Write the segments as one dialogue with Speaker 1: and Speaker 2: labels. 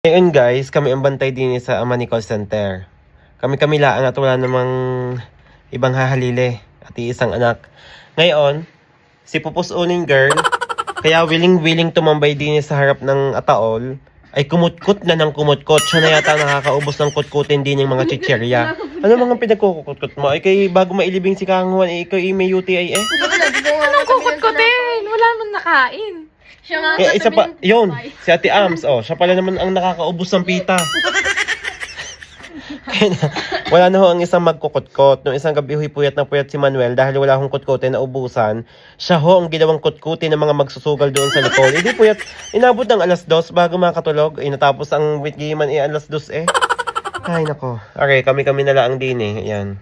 Speaker 1: Ngayon guys, kami ang bantay din sa Amani Call Center. Kami lang at wala namang ibang hahalili at iisang anak. Ngayon, si Pupus Uning girl, kaya willing tumambay din sa harap ng ataol, ay kumutkot na ng kumutkot. Siya na yata nakakaubos ng kutkutin din yung mga chichirya. Ano mga pinagkukutkot mo? Ay kay bago mailibing si Kang Juan, ikaw may UTI eh.
Speaker 2: Anong kukutkutin? Wala naman nakain.
Speaker 3: Siya nga
Speaker 1: Kaya isa pa, yun, si Ate Ams, siya pala naman ang nakakaubos ng pita. Kaya wala na ho ang isang magkukutkot. Nung isang gabi puyat na puyat si Manuel dahil wala akong kutkutin na ubusan. Siya ho ang ginawang kutkutin ng mga magsusugal doon sa likod. Hindi puyat, inabot ng alas 2 bago makatulog. Natapos ang witgiman alas 2 eh. Ay nako. Okay, kami na lang din eh. Ayan.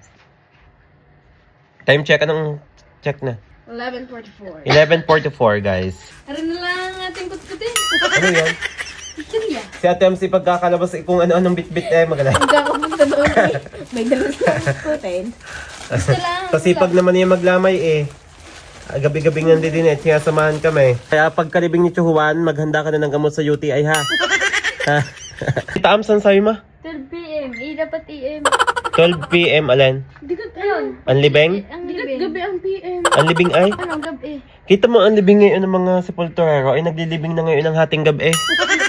Speaker 1: Time check, anong check na?
Speaker 3: 11:44.
Speaker 1: 11:44 guys.
Speaker 3: Tara na lang ating kutkutin.
Speaker 1: Ano yan?
Speaker 3: Chichirya.
Speaker 1: Si Ate Ams pagkakalabas kung ano-anong bitbit eh magala.
Speaker 3: Magkakapunta doon eh. May dalang kutkutin.
Speaker 1: Sa sipag naman niya maglamay eh. Gabi-gabi nga din eh, sinasamahan kami. Kaya pagkalibing ni Chuhuan, maghanda ka na ng gamot sa UTI ha. Tita Ams, saan sabi ma?
Speaker 3: 12 p.m. Dapat AM.
Speaker 1: 12 p.m. alin?
Speaker 3: Digat ayun.
Speaker 1: Ang libing?
Speaker 3: Ang libing. Gabi ang PM.
Speaker 1: Ang libing ay?
Speaker 3: Ano, gabi.
Speaker 1: Kita mo ang libing ngayon ng mga sepulturero ay naglilibing na ngayon ng hating gabi.